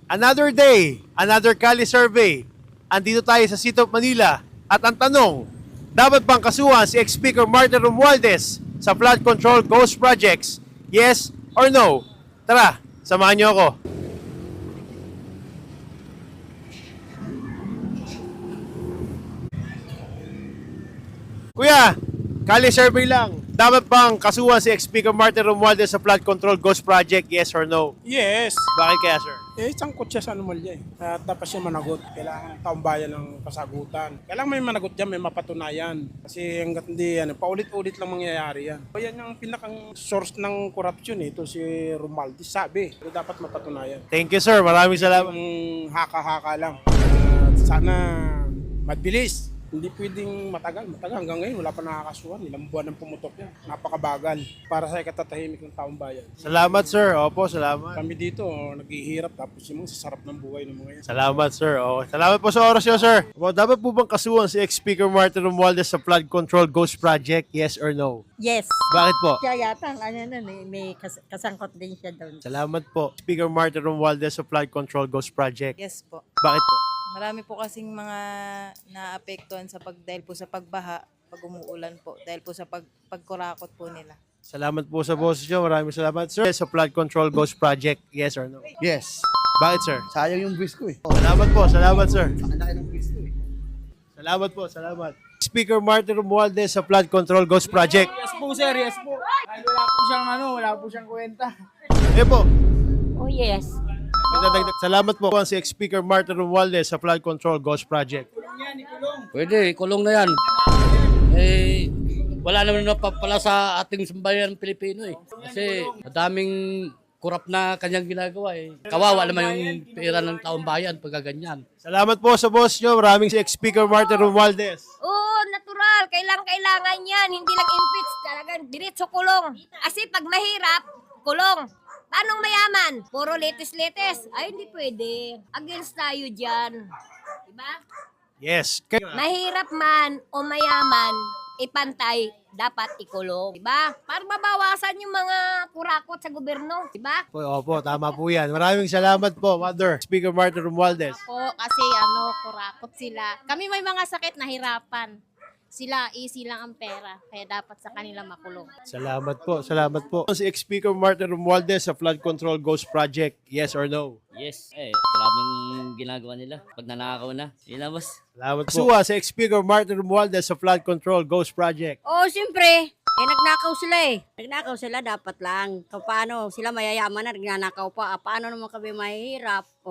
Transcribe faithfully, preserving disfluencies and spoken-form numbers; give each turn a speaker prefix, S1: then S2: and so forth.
S1: Another day, another Cali survey. Andito tayo sa City of Manila. At ang tanong, dapat bang kasuhan si ex-Speaker Martin Romualdez sa flood control ghost projects? Yes or no? Tara, samahan niyo ako. Kuya, Cali survey lang. Dapat bang kasuhan si ex-Speaker Martin Romualdez sa flood control ghost project? Yes or no?
S2: Yes.
S1: Bakit kaya, sir?
S2: Eh, sangkot siya sa anomalya eh. At dapat siya managot. Kailangan ng taong bayan ng kasagutan. Kailangan may managot dyan, may mapatunayan. Kasi hanggat hindi, ano, paulit-ulit lang mangyayari yan. O yan yung pinakang source ng corruption eh. Ito si Romualdez sabi. Pero dapat mapatunayan.
S1: Thank you, sir. Maraming salamat.
S2: Ang haka-haka lang. At sana mabilis. Hindi pwedeng matagal. Matagal hanggang ngayon, wala pa nakakasuhan. Ilang buwan ang pumutok yan. Napakabagal. Para sa ikatatahimik ng taong bayan.
S1: Salamat, sir. Opo, salamat.
S2: Kami dito, oh, naghihirap tapos yung mga sasarap ng buhay ng mga yan.
S1: Salamat, sir. Oh, salamat po sa oras niyo, sir. Well, dapat po bang kasuhan si ex-Speaker Martin Romualdez sa flood control ghost project? Yes or no?
S3: Yes.
S1: Bakit po?
S3: Siya yata, ang ano nun eh, may kas- kasangkot din siya doon.
S1: Salamat po. Speaker Martin Romualdez sa flood control ghost project.
S4: Yes po.
S1: Bakit po?
S4: Marami po kasing mga naapektuhan sa pag dahil po sa pagbaha, pag umuulan po, dahil po sa pag pagkurakot po nila.
S1: Salamat po sa boses niyo. Maraming salamat, sir. Sa flood control ghost project. Yes or no?
S5: Yes.
S1: Bakit, sir?
S5: Sayang yung buwis ko eh.
S1: Salamat po. Salamat, sir.
S5: Ang laki ng buwis ko eh.
S1: Salamat po. Salamat. Speaker Martin Romualdez sa flood control ghost project.
S6: Yes po sir, yes po. Ay, wala po siyang ano, wala po siyang kwenta.
S1: Eh po.
S3: Oh yes.
S1: May dadagdag- Salamat po si ex-Speaker Martin Romualdez sa flood control ghost project.
S7: Pwede, kulong na yan. Eh, wala naman na pala sa ating sambayan Pilipino eh. Kasi madaming kurap na kanyang ginagawa eh. Kawawa naman yung pera ng taong bayan pagka ganyan.
S1: Salamat po sa boss nyo. Maraming si ex-Speaker Martin Romualdez.
S3: Oo, natural. Kailangan kailangan yan. Hindi lang impeach. Talagang diretso kulong. Kasi pag mahirap, kulong. Paano mayaman? Puro letes-letes. Ay, hindi pwede. Against tayo dyan. Diba?
S1: Yes. Kay-
S3: Mahirap man o mayaman, ipantay, dapat ikulong. Diba? Para mabawasan yung mga kurakot sa gobyerno. Diba?
S1: po, opo, tama po yan. Maraming salamat po, Mother. Speaker Martin Romualdez.
S8: po kasi ano, kurakot sila. Kami may mga sakit na hirapan. Sila, easy lang ang pera. Kaya dapat sa kanila makulong.
S1: Salamat po, salamat po. Si ex-Speaker Martin Romualdez sa flood control ghost project. Yes or no?
S9: Yes, eh, grabing ginagawa nila. Pag nanakaw na, yun na boss.
S1: Salamat po. Suwa si ex-Speaker Martin Romualdez sa flood control ghost project.
S3: Oo, siyempre. Eh, nagnakaw sila eh. Nagnakaw sila, dapat lang. Kung paano, sila mayayaman na, nagnanakaw pa. Ah, paano naman kami mahihirap?